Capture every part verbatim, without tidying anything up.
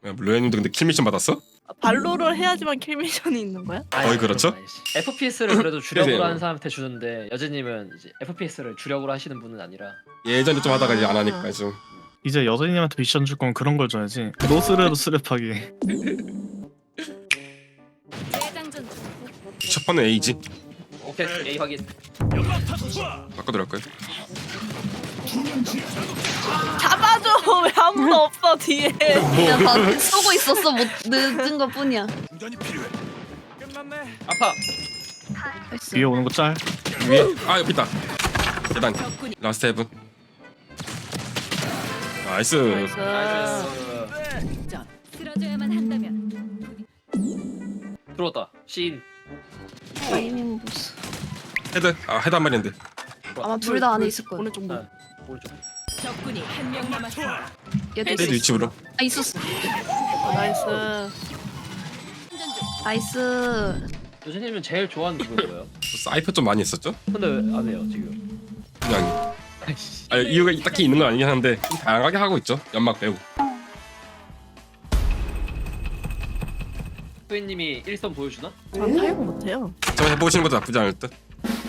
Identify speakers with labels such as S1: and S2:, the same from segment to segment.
S1: 로엔님도 근데 킬 미션 받았어?
S2: 아, 발로를 해야지만 킬 미션이 있는 거야?
S1: 거의 그렇죠?
S3: 에프피에스를 그래도 주력으로
S1: 네네.
S3: 하는 사람한테 주는데 여제님은 이제 에프피에스를 주력으로 하시는 분은 아니라.
S1: 예전에 좀 하다가 이제 안 하니까 좀.
S4: 이제 여자님한테 미션 줄 거면 그런 걸 줘야지. 노스레로 스랩하기.
S1: 첫 번은 A지.
S3: 오케이 A 확인.
S1: 바꿔 들어갈까요?
S2: 잡아줘. 왜 아무도 없어 뒤에.
S5: 그냥 다 쏘고 있었어. 못 늦은 것 뿐이야.
S3: 아파.
S4: 위에 오는 거 짤.
S1: 위에 아 옆에 있다. 계단 라스트 헤븐. 나이스.
S2: 나이스.
S3: 나이스.
S6: 쓰러져야만 한다면
S3: 들어왔다. 시인.
S5: 타이밍 보스.
S1: 헤드 아 헤드 한 마리인데.
S5: 아마 둘 다 안에 있을 거야.
S2: 오른쪽 뭐.
S3: 네. 오른쪽.
S6: 적군이 한 명 남았습니다.
S5: 얘도
S1: 헤드
S5: 있어.
S1: 위치으로.
S5: 아 있었어.
S2: 어, 나이스.
S5: 나이스.
S3: 여제님은 제일 좋아하는 부분 뭐예요?
S1: 사이퍼 좀 많이 했었죠?
S3: 근데 왜 안 해요 지금?
S1: 그냥 아 이유가 딱히 있는 건 아니긴 한데 좀 다양하게 하고 있죠. 연막 빼고.
S3: 소희님이 일선 보여주나?
S2: 전 타이거 못해요.
S1: 저 해보시는 것도 나쁘지 않을 듯.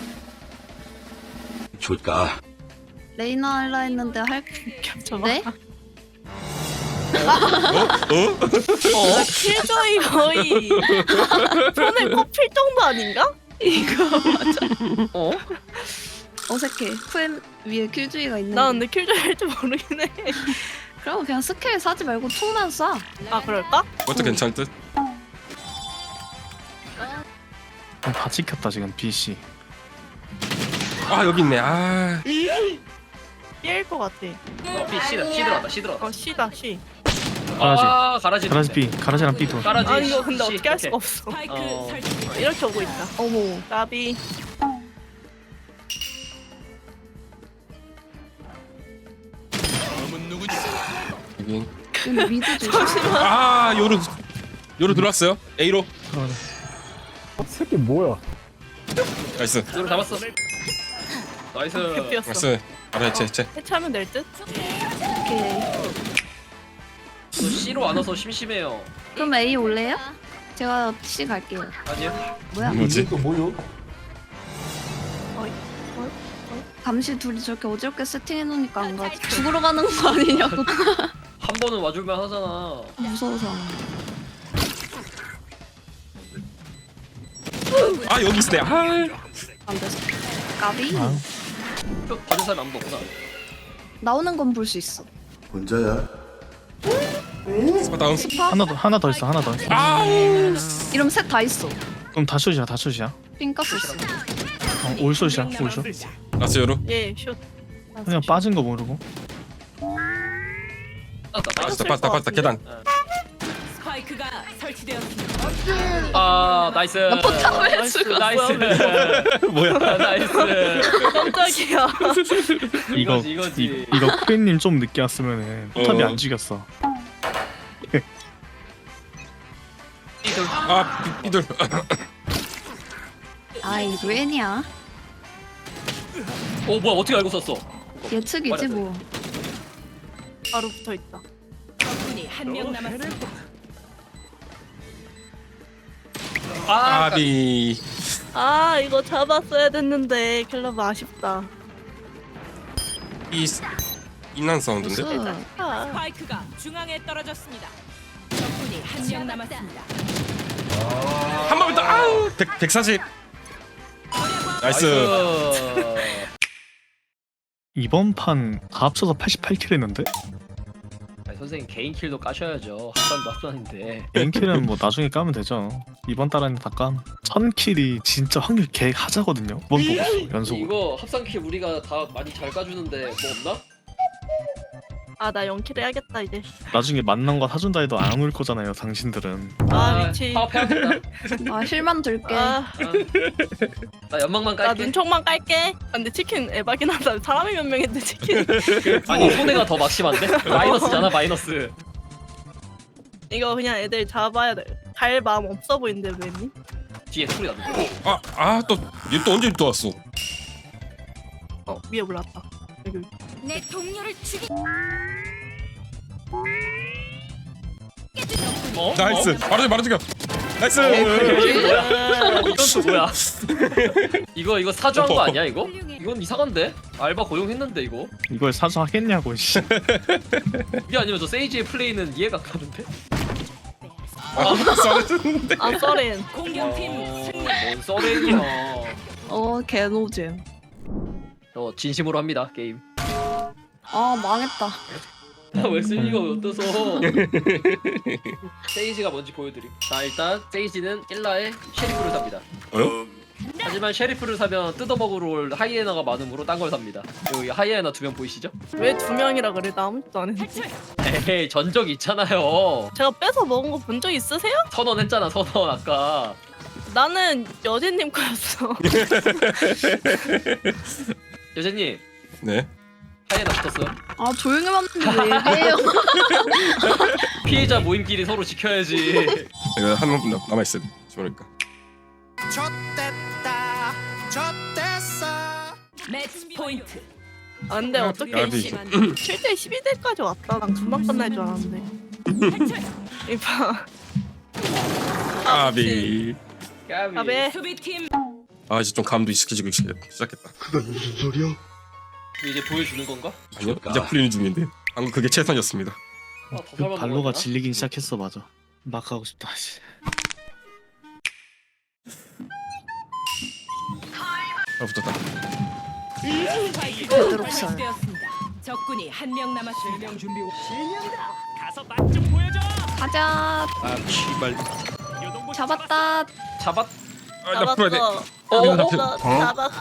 S7: 줄까?
S5: 레이나 할라 했는데 할.
S2: 겹쳐봐.
S5: 네?
S1: 어? 어?
S2: 어? 킬조이 거의 손에 꼽힐 정도 아닌가? 이거 맞아.
S3: 어?
S5: 어색해. 쿨 위에 킬주의가 있는.
S2: 나 근데 킬조이 할 줄 모르긴 해.
S5: 그럼 그냥 스킬 사지 말고 총만 쏴.
S2: 아 그럴까?
S1: 그것도 괜찮을 듯.
S4: 다 찍혔다 지금 B C.
S1: 아 여기 있네. 아
S2: B일 것 같아.
S3: 어, B C C 들어왔다. C 들어왔다.
S2: 어 C다 C.
S4: 가라지.
S3: 아 가라지.
S4: 가라지 B. 가라지랑 B 돌.
S3: 가라지.
S2: 아 이거 근데
S3: C.
S2: 어떻게 할
S3: 오케이.
S2: 수가 없어.
S6: 스파이크
S3: 어.
S6: 설치.
S2: 이렇게 오고 있다.
S5: 어머.
S2: 나비.
S1: 여기.
S5: 여기 미드 조심.
S1: 아 요로 요로 들어왔어요. A로.
S8: 새끼 뭐야?
S1: 나이스.
S3: 이걸 잡았어. 나이스.
S2: 개피였어.
S1: 나이스. 바로 해체 해체.
S2: 해체하면 될 듯?
S5: 오케이.
S3: 저 C로 안 와서 심심해요.
S5: 그럼 A 올래요? 제가 C 갈게요.
S3: 아니요.
S5: 뭐야?
S1: 뭐지?
S8: 또 뭐요?
S5: 감시 둘이 저렇게 어지럽게 세팅해 놓으니까 안 가지. 죽으러 가는 거 아니냐고.
S3: 한 번은 와줄만 하잖아.
S5: 무서워서.
S1: 아 여기 있네. 아.
S5: 안 돼서. 까비.
S4: 아.
S3: 표 받은 사람 아무도 없구나.
S5: 나오는 건 볼 수 있어.
S7: 혼자야?
S1: 스파 다운.
S5: 스파?
S4: 하나 더 하나 더 있어. 하나 더 있어.
S1: 아우.
S5: 이러면 셋 다 있어.
S4: 그럼 다 숏이야. 다 숏이야.
S5: 핑가스 있어.
S4: 어, 올 숏이야. 올 숏.
S1: 나이스 요로.
S2: 예 슛.
S4: 그냥 빠진 거 모르고.
S3: 빠졌다.
S1: 빠졌다 빠졌다 빠졌다 계단.
S6: 스파이크가 설치되었습니다.
S3: 아 나이스.
S5: 나 포탑 왜
S2: 나이스.
S5: 죽어?
S3: 나이스.
S1: 뭐야?
S3: 아, 나이스.
S2: 깜짝이야.
S4: 이거
S3: 이거지, 이거지.
S4: 이, 이거 쿠엔님 좀 늦게 왔으면은 포탑이
S1: 어.
S4: 안 죽였어.
S3: 이들.
S1: 아 삐- 삐들.
S5: 아이 루엔이야.
S3: 어 뭐야 어떻게 알고 썼어?
S5: 예측이지 뭐.
S2: 바로 붙어 있다.
S6: 적군이 한 명 남았습니다.
S3: 아
S1: 아비.
S2: 아 이거 잡았어야 됐는데 킬러브 아쉽다.
S1: 이 인난 사운드인데?
S5: 무슨
S2: 아,
S6: 스파이크가 중앙에 떨어졌습니다. 적군이 한 명 남았습니다.
S1: 한 번만 더. 아우. 백 백사십. 나이스.
S4: 이번 판 다 합쳐서 팔십팔 킬 했는데?
S3: 아니, 선생님 개인 킬도 까셔야죠. 합산도 합산인데.
S4: 개인 킬은 뭐 나중에 까면 되죠. 이번 달에는 다 깜. 천 킬이 진짜 확률 개 하자거든요. 이번 보고 연속으로.
S3: 이거 합산 킬 우리가 다 많이 잘 까주는데 뭐 없나?
S2: 아 나 영킬 해야겠다 이제.
S4: 나중에 만난 거 사준다 해도 안 올 거잖아요. 당신들은.
S2: 아 미치.
S3: 파업해야겠다.
S5: 아 힐만 들게.
S2: 아,
S3: 아, 나 연막만
S2: 나
S3: 깔게.
S2: 눈총만 깔게. 아, 근데 치킨 에바긴 하다. 사람이 몇 명인데 치킨.
S3: 아니 손해가 더 막심한데? 마이너스잖아 마이너스.
S2: 이거 그냥 애들 잡아야 돼. 갈 마음 없어 보이는데 왜니?
S3: 뒤에 소리 나는데.
S1: 아아또얘 또 언제 또 왔어?
S2: 어 위에 올랐다. 여기.
S6: 내 동료를 죽이.
S3: 어?
S1: 나이스. 바로 바로 죽여. 나이스.
S3: 이건 또 뭐야? 이거 이거 사주한 거 아니야 이거? 이건 이상한데? 알바 고용했는데 이거?
S4: 이걸 사주하겠냐고 씨.
S3: 이게 아니면 저 세이지의 플레이는 이해가 가는데?
S1: 아, 썰어줬는데.
S2: 아 썰엔.
S6: 공격팀 승리.
S3: 뭔 써레기야.
S5: 어 개노잼.
S3: 어 진심으로 합니다 게임.
S5: 아 망했다.
S3: 왜 순위가 어때서? 세이지가 뭔지 보여드림. 자 일단 세이지는 일라에 셰리프를 삽니다.
S1: 어?
S3: 하지만 셰리프를 사면 뜯어먹으러 올 하이에나가 많으므로 딴 걸 삽니다. 여기 하이에나 두 명 보이시죠?
S2: 왜 두 명이라 그래? 나 아무것도 안 했는데.
S3: 에이 전적 있잖아요.
S2: 제가 뺏어 먹은 거 본 적 있으세요?
S3: 선언 했잖아 선언 아까.
S2: 나는 여진님 거였어.
S3: 여자님
S1: 네.
S3: 하이에나 붙었어요.
S5: 아 조용히 봤는데 왜 이래요?
S3: 피해자 모임끼리 서로 지켜야지.
S1: 이거 한번 남아 있음. 모르니까.
S6: 매치 포인트.
S2: 아 근데 어떻게
S1: 야비.
S2: 칠 대 십이 대까지 왔다. 난 금방 끝날 줄 알았는데. 이봐.
S1: 아비.
S3: 까비.
S2: 아베.
S6: 수비팀
S1: 아 이제 좀 감도 익숙해지고 시- 시작했다.
S3: 이제 보여주는 건가?
S1: 아니요. 이제 풀리는 중인데. 방금 그게 최선이었습니다.
S3: 아, 더
S4: 그
S3: 살만
S4: 발로가
S3: 먹었나?
S4: 질리긴 시작했어 맞아. 막 하고 싶다 씨.
S1: 아 붙었다.
S6: 스파이크가
S5: 베드록살.
S6: 설치되었습니다. 적군이 한 명 남았습니다.
S5: 가자.
S1: 아 씨발.
S5: 잡았다.
S3: 잡았.
S1: 아나 풀어야 돼.
S2: 잡았어.
S3: 어, 어, 어.
S2: 잡았어. 잡았어.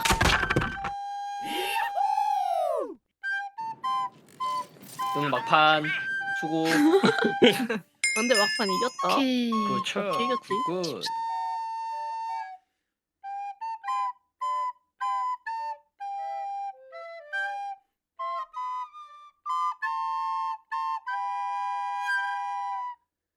S3: 응 막판 수고.
S2: 근데 막판 이겼다.
S5: 오케이.
S3: 그렇죠.
S2: 이겼지.
S3: 굿.